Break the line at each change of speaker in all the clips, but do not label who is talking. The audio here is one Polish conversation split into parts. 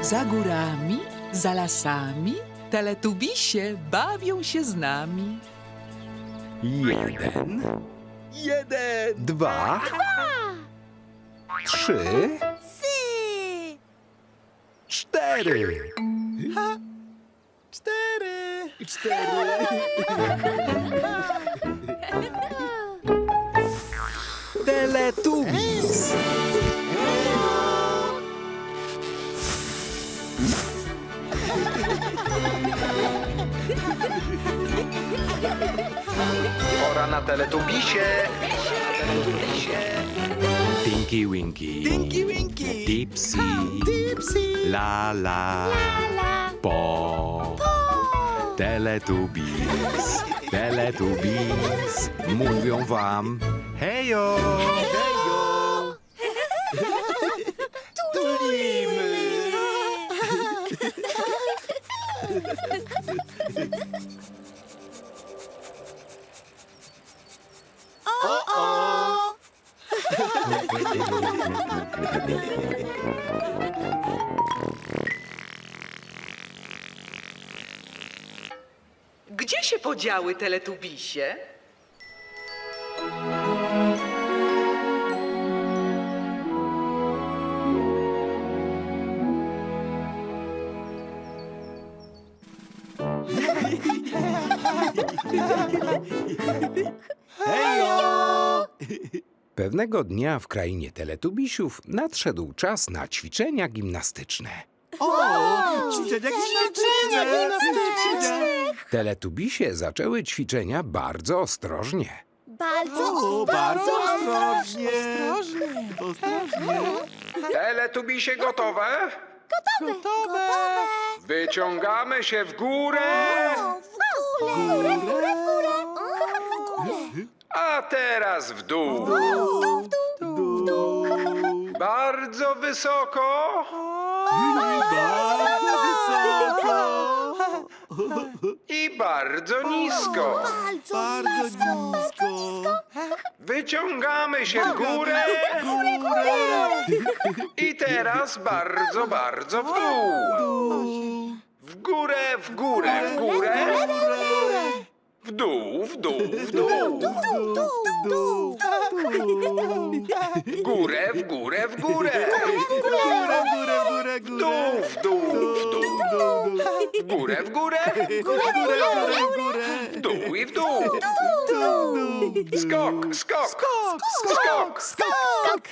Za górami, za lasami, teletubisie bawią się z nami.
1,
1,
2, 3, 4.
4.
4. Teletubbies.
Pora na teletubisie.
Tinky Winky.
Tinky Winky.
Dipsy.
Dipsy.
La la. Po. Teletubbies. Teletubbies. Mówią wam hejo. Hejo.
Tulimy.
Gdzie się podziały teletubisie?
Pewnego dnia w krainie teletubisiów nadszedł czas na ćwiczenia gimnastyczne.
Ćwiczenia gimnastyczne.
Teletubisie zaczęły ćwiczenia bardzo ostrożnie.
Bardzo ostrożnie.
Teletubisie gotowe?
Gotowe.
Wyciągamy się w górę.
W górę.
A teraz w dół. Bardzo wysoko. I bardzo nisko.
Bardzo nisko.
Wyciągamy się w górę. I teraz bardzo, bardzo w dół. W górę, w górę, w górę. W dół, w dół, w dół. W górę, w górę, w górę. W dół, w dół, w dół. W górę, w górę. W dół i w dół. Skok, skok. Skok.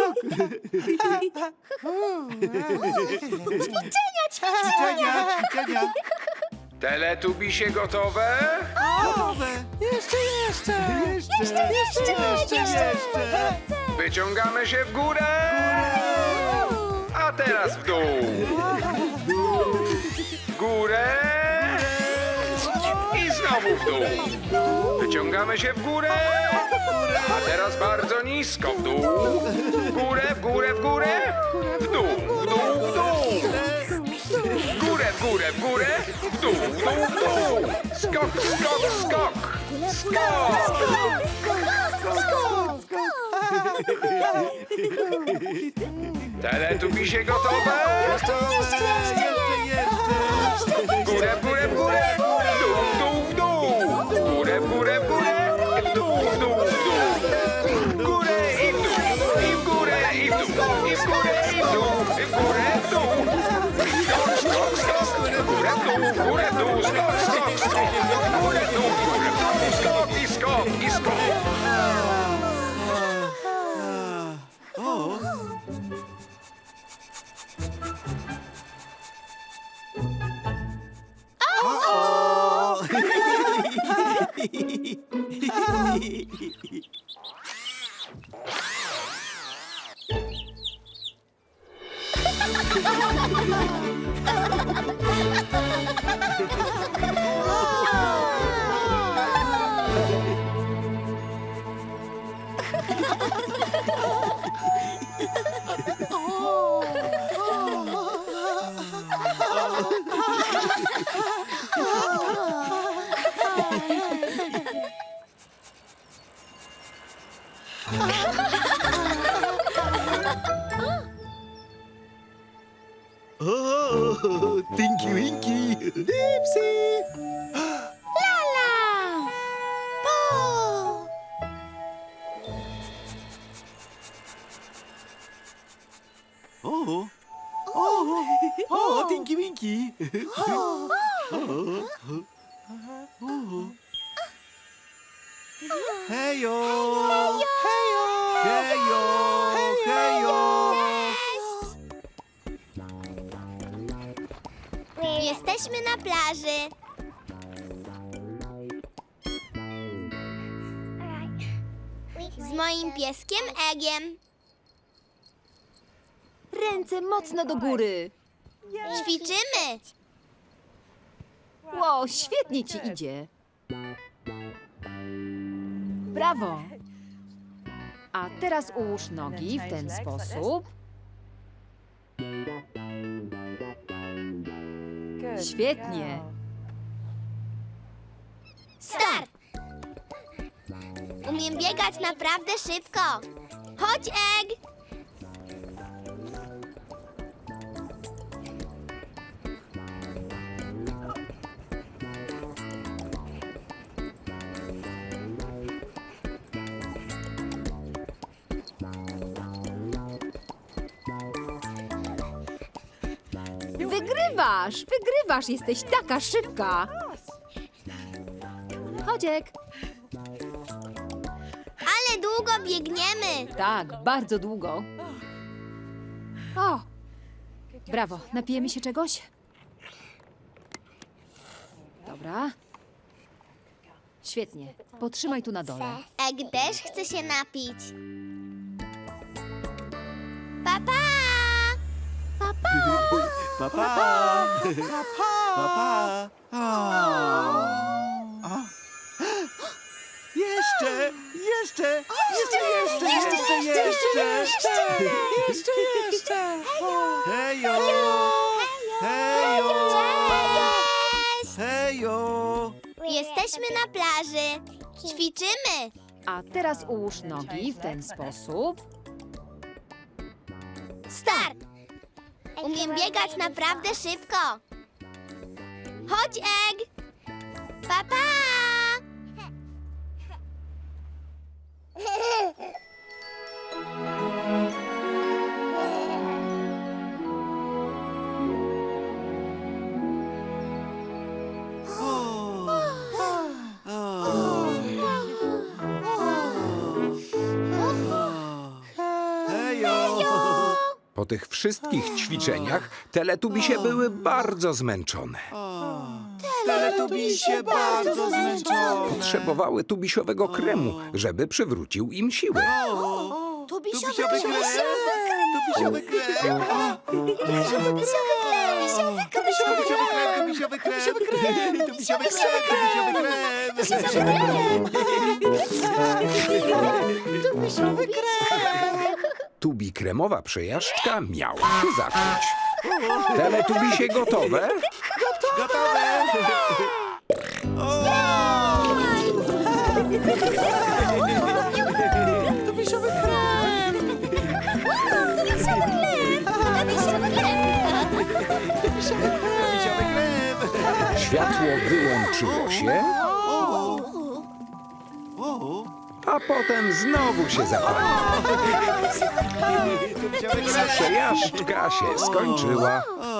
Teletubisie gotowe? Wyciągamy się w górę. A teraz w dół. W górę. I znowu w dół. Wyciągamy się w górę. A teraz bardzo nisko w dół. W górę, w górę, w górę. W dół, w dół, w dół. W górę, w górę, w górę. W dół, w dół, w dół. Skok, skok, skok. Teletubisie gotowe? W górę, w górę, w górę. W dół, w dół, w dół. W górę, w górę, w górę. W dół, w dół, w dół. W górę i w dół. I w górę i w dół. I w górę i w dół. I w górę, w dół. Skok, skok, skok. W górę, w dół, w górę, w dół. Skok, skok, skok. W górę, w dół, w górę, w dół. Skok i skok i skok.
Tinky Winky. Dipsy.
Lala! Po!
O, o, Tinky Winky. Hejo! Hejo! Hejo! Hejo!
Jesteśmy na plaży. Z moim pieskiem Egiem.
Ręce mocno do góry.
Ćwiczymy.
Ło, świetnie ci idzie. Brawo. A teraz ułóż nogi w ten sposób. Świetnie.
Start! Umiem biegać naprawdę szybko. Chodź, Egg!
Wygrywasz, jesteś taka szybka. Chodziek.
Ale długo biegniemy.
Tak, bardzo długo. O! Brawo, napijemy się czegoś? Dobra. Świetnie. Potrzymaj tu na dole.
Egg też chce się napić. Papa! Papa!
Papa! Papa! Jeszcze! Jeszcze! Hejo! Hejo!
Cześć!
Hejo!
Jesteśmy na plaży. Ćwiczymy.
A teraz ułóż nogi w ten sposób.
Start! Umiem biegać naprawdę szybko. Chodź, Egg! Papa!
Hejo!
Po tych wszystkich ćwiczeniach teletubisie były bardzo zmęczone.
Teletubisie bardzo zmęczone.
Potrzebowały tubisiowego kremu, żeby przywrócił im siły.
Tubisiowy krem! Tubisiowy krem! Tubisiowy krem! Tubisiowy krem! Tubisiowy krem! Tubisiowy krem!
Tubi kremowa przejażdżka miała się zacząć. Teletubisie gotowe?
Gotowe! Tubisiowy krem! Tubisiowy krem!
Światło wyłączyło się, a potem znowu się zapaliło.
Tubisiowy krem!
Przejażdżka się skończyła.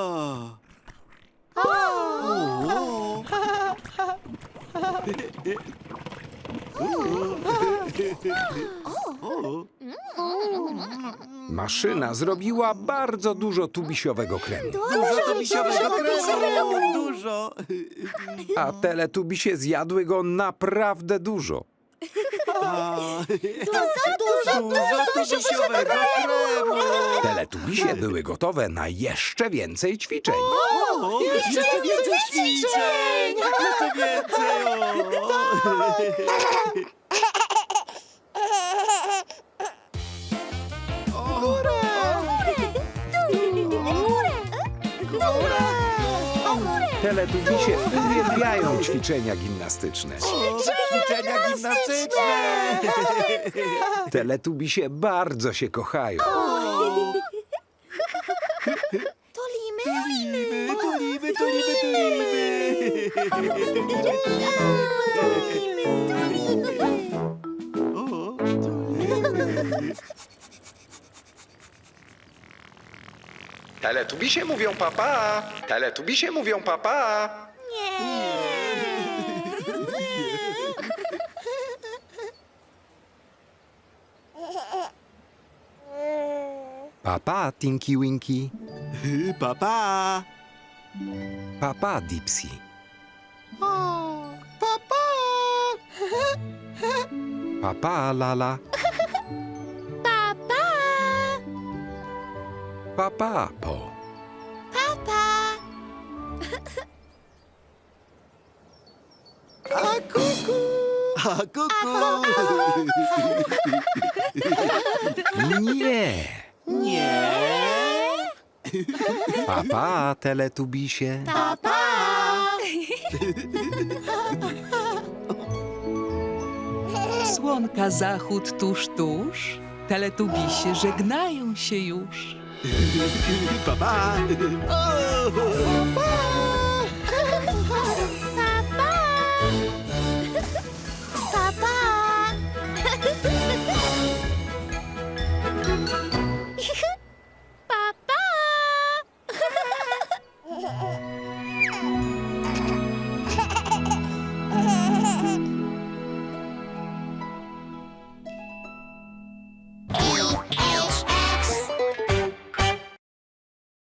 Maszyna zrobiła bardzo dużo tubisiowego kremu,
Dużo tubisiowego kremu! Dużo!
a teletubisie zjadły go naprawdę dużo.
Dużo tubisiowego kremu!
Teletubisie były gotowe na jeszcze więcej ćwiczeń.
Jeszcze więcej ćwiczeń! Jeszcze więcej!
Teletubisie uwielbiają ćwiczenia gimnastyczne.
Ćwiczenia gimnastyczne!
Teletubisie bardzo się kochają.
To limy?
Teletubisie mówią papa. Teletubisie mówią papa.
Papa, Tinky Winky.
Papa!
Papa, Dipsy.
Papa!
Papa, Lala.
Papa!
Papa, Po.
Papa!
A kuku! A kuku!
Nie.
Nie!
Papa, Teletubisie.
Papa!
Słonka zachód tuż. Teletubisie żegnają się już.
Papa! O! Papa!